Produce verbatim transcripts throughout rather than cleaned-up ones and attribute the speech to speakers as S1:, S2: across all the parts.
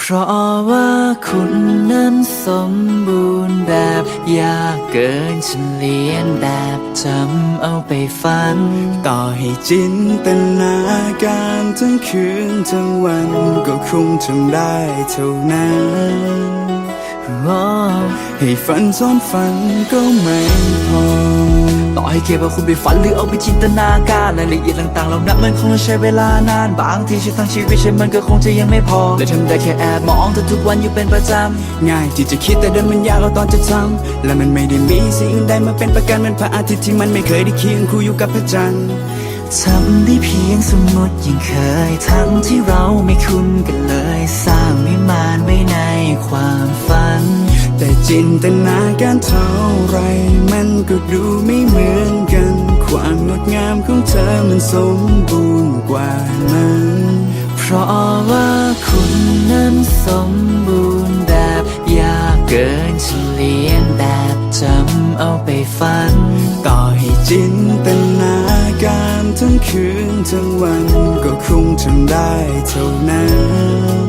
S1: เพราะว่าคุณนั้นสมบูรณ์แบบยากเกินฉันเลียนแบบจำเอาไปฝัน
S2: ต่อให้จินตนาการทั้งคืนทั้งวันก็คงทำได้เท่านั้นให้ฝันซ้อนฝันก็ไม่พอ
S1: ต่อให้แค่ว่าคุณไปฝันหรือเอาไปจินตนาการรายละเอียดต่างๆเหล่านั้นมันคงต้องใช้เวลานานบางทีชีวิตทั้งชีวิตฉันมันก็คงจะยังไม่พอเลยทำได้แค่แอบมองเธอทุกวันอยู่เป็นประจ
S2: ำง่ายที่จะคิดแต่เดินมันยากเอาตอนจะทำและมันไม่ได้มีสิ่งอื่นใดมาเป็นประกันเหมือนพระอาทิตย์ที่มันไม่เคยได้เคียงคู่อยู่กับพระจันทร์
S1: ทำได้เพียงสมมติยังเคยทั้งที่เราไม่คุ้นกันเลยสร้างวิมานไว้ในความฝัน
S2: แต่จินตนาการเท่าไรมันก็ดูไม่เหมือนกันความงดงามของเธอมันสมบูรณ์กว่านั้น
S1: เพราะว่าคุณนั้นสมบูรณ์แบบยากเกินเฉลียนแบบจำเอาไปฝัน
S2: ต่อให้จินตนาการทั้งคืนทั้งวันก็คงทำได้เท่านั้น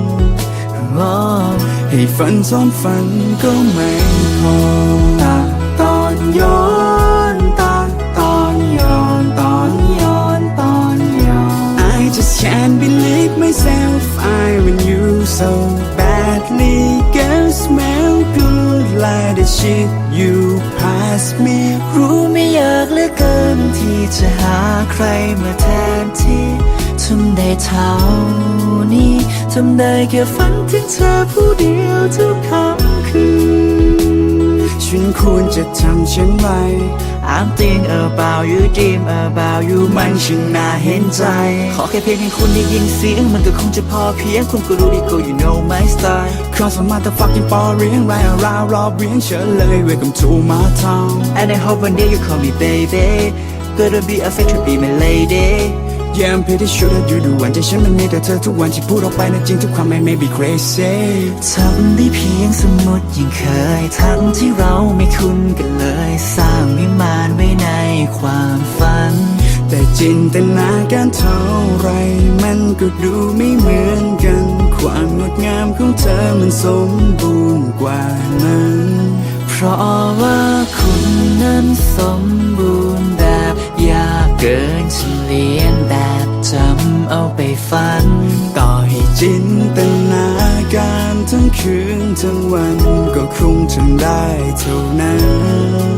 S2: ให้ฝันซ้อนฝันก็ไม่พอตาตอนย้อนตาตอนย้อนตอนย้อนตอนย้อน I just can't believe myself I want you so badly Girl smell good like the shit you pass me
S1: รู้ไม่อยากเหลือเกินที่จะหาใครมาแทนที่ทำได้เท่านี้ทำได้แค่ฝันถึงเธอผู้เดียวทุกค่ำคืน
S2: ฉันควรจะทำเช่นไร
S1: I'm thinking about you dream about you มันช่างน่าเห็นใจขอแค่เพียงให้คุณได้ยินเสียงมันก็คงจะพอเพียงคุณก็รู้ดีก็ you know my style
S2: Cause I'm motherfucking boring right around รอบเรียงเชิญเลย Welcome to my town
S1: And I hope one day you call me baby Gonna be a fit to be my lady
S2: Yeah I'm pretty sure that you do วันใจฉันมันมีแต่เธอทุกวันที่พูดออกไปนั้นจริงทุกความไม่ may be crazy
S1: ทำได้เพียงสมมติยังเคยทั้งที่เราไม่คุ้นกันเลยสร้างวิมานไว้ในความฝัน
S2: แต่จินตนาการเท่าไรมันก็ดูไม่เหมือนกันความงดงามของเธอมันสมบูรณ์กว่านั้น
S1: เพราะว่าคุณนั้นสมบูรณ์แบบยากเกินเฉลียนแบบจำเอาไปฝัน
S2: ต่อให้จินตนาการทั้งคืนทั้งวันก็คงทำได้เท่านั้น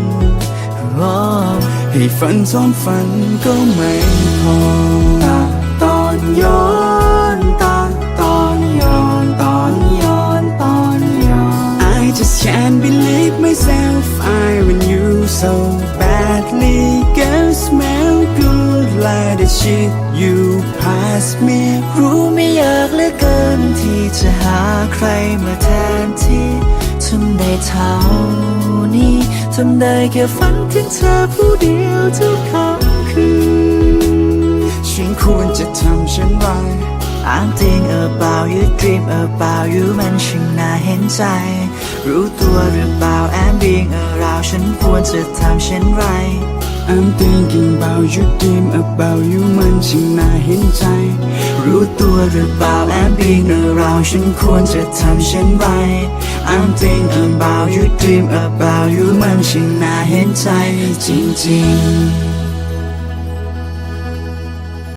S2: ให้ฝันซ้อนฝันก็ไม่พอตาตอนย้อนตาตอนย้อนตอนย้อนตอนย้อน I just can't believe myself I want you so badly Girl smell good like the shit you pass me
S1: รู้ไม่อยากเหลือเกินที่จะหาใครมาแทนที่ทำได้เท่านี้ทำได้แค่ฝันถึงเธอผู้เดียวทุกค่ำคืน
S2: ฉันควรจะทำเช่นไร
S1: I'm thinking about you dream about you มันช่างน่าเห็นใจรู้ตัวหรือเปล่า I'm being around ฉันควรจะทำเช่นไร
S2: I'm thinking about you dream about you มันช่างน่าเห็นใจ
S1: รู้ตัวหรือเปล่า I'm being around ฉันควรจะทำเช่นไร I'm thinking about you dream about you มันช่างน่าเห็นใจจริงๆ